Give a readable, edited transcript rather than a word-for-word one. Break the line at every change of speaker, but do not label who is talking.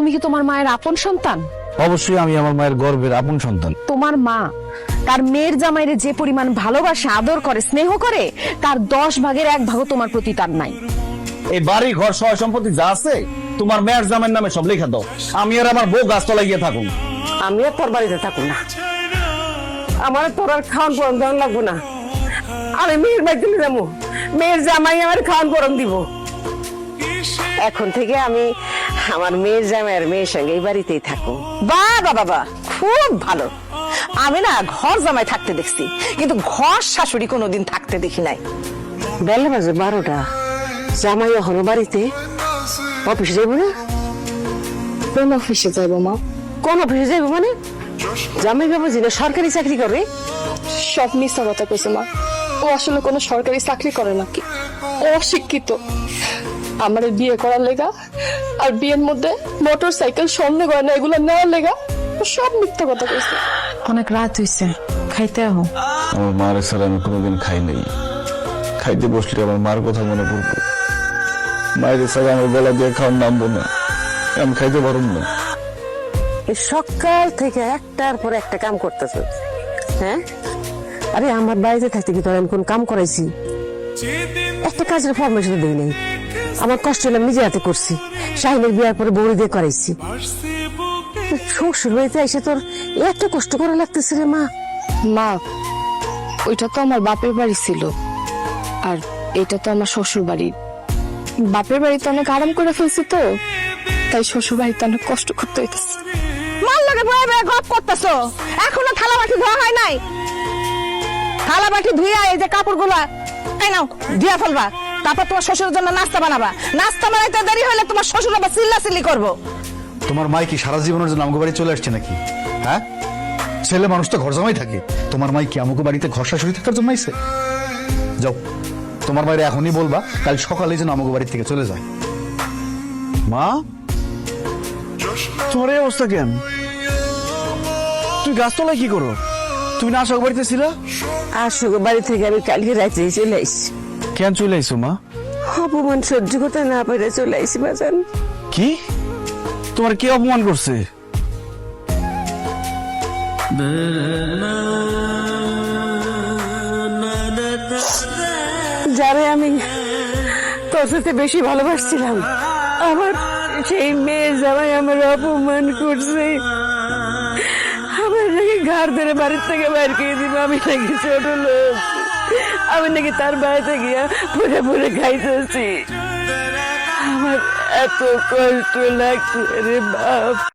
তুমি কি তোমার মায়ের আপন সন্তান?
অবশ্যই আমি আমার মায়ের গর্বের আপন সন্তান।
তোমার মা তার মেয়ের জামাইরে যে পরিমাণ ভালোবাসা, আদর করে, স্নেহ করে, তার 10 ভাগের 1 ভাগও তোমার প্রতি তার নাই।
এই বাড়ি ঘর সহ সম্পত্তি যা আছে তোমার মেয়ের জামাইয়ের নামে সব লেখা দাও। আমি আর আমার বউ গাছতলায় গিয়ে থাকুন।
আমি আর তোর বাড়িতে থাকুন না, আমার তোর আর খাওয়ান পরন দেওয়ান লাগবো না। আমি মেয়ের বাড়িতে যাবো, মেয়ের জামাই আমার খাওয়ান পরন দিব। এখন থেকে আমি আমার মেয়ের জামাইয়ের মেয়ের সঙ্গে এই বাড়িতেই থাকবো।
বাবা বাবা, খুব ভালো। আমি না ঘর জামাই থাকতে দেখছি, কিন্তু ঘর শাশুড়ি কোনোদিন থাকতে দেখি নাই।
বেলা বাজে 12টা, জামাই এখনো বাড়িতে। অফিসে যাইব না?
কোন অফিসে যাইবো মা?
কোন অফিসে যাইব মানে? জামাই বাবা যিনি সরকারি চাকরি করে।
সব মিথ্যা কথা কইছে মা। ও আসলে কোনো সরকারি চাকরি করে নাকি? ও অশিক্ষিত। আমার বিয়ে করার লেগা আর বিয়ের মধ্যে মোটর সাইকেল, স্বর্ণ গয়না এগুলো নেওয়ার লেগা ও সব মিথ্যা কথা কইছে।
অনেক রাত হইছে, খাইতে আহ।
আমার মার ছাড়া আমি কোনোদিন খাই নাই। খাইতে বসলে আমার মার কথা মনে পড়বো। মায়ের ছাড়া আমার গলা দিয়ে খাওয়ার নামবো না, আমি খাইতে পারব না।
সকাল থেকে একটার পর একটা কাম করতেছ, হ্যাঁ? আরে আমার বাড়িতে থাকতে কি তোর আমি কোন কাম করাইছি? একটা কাজের ফরমেশন দিই নাই। আমার কষ্ট হলে আমি নিজে হাতে করছি। শাহিনের বিয়ার পরে বউরি দিয়ে করাইছি। শ্বশুর বাড়িতে এসে তোর এত কষ্ট করা লাগতেছে রে মা।
মা, ওইটা তো আমার বাপের বাড়ি ছিল, আর এটা তো আমার শ্বশুর বাড়ি। বাপের বাড়িতে অনেক আরাম করে ফেলছি, তো তাই শ্বশুর বাড়িতে অনেক কষ্ট করতে হইতেছে।
মার লাগে বয়ে বয়ে গপ করতেছো, এখনো থালা বাটি ধোয়া হয় নাই। থালা বাটি ধুইয়া এই যে কাপড়গুলা এই নাও দিয়া ফেলবা, তারপর তোমার শ্বশুরের জন্য নাস্তা বানাবা। নাস্তা বানাইতে দেরি হলে তোমার শ্বশুর আবার চিল্লাচিল্লি করবো।
তোমার মাই কি সারা জীবনের জন্য আমাকে বাড়ি চলে আসছে নাকি? হ্যাঁ, ছেলে মানুষ তো ঘর জামাই থাকে। তোমার মাই কি আমাকে বাড়িতে ঘর শাশুড়ি থাকার জন্য আইছে? যাও, তোমার বাইরে এখনই বলবা কাল সকালে যেন আমাকে বাড়ি থেকে চলে যায়।
মা, তোমার এই অবস্থা কেন? তুই গাছতলায় কি করো? তুমি না আশোক বাড়িতে ছিলা?
আসুক বাড়ি থেকে আমি কালকে রাতে চলে আইছি।
কেন চলে আইসো মা?
অপমান সহ্য করতে না পেরে চলে আইছি বাজান।
কি? তোমার কে অপমান করছে?
যারে আমি তোর সাথে বেশি ভালোবাসছিলাম, আমার সেই মেয়ে জামাই আমার অপমান করছে। আমার নাকি ঘর ধরে বাড়ির থেকে বাইর করে দিব। আমি নাকি ছোট লোক, আমি নাকি তার বাড়িতে গিয়া পুরে পুরে খাইতেছি। আমার এত কষ্ট লাগছে রে বাপ।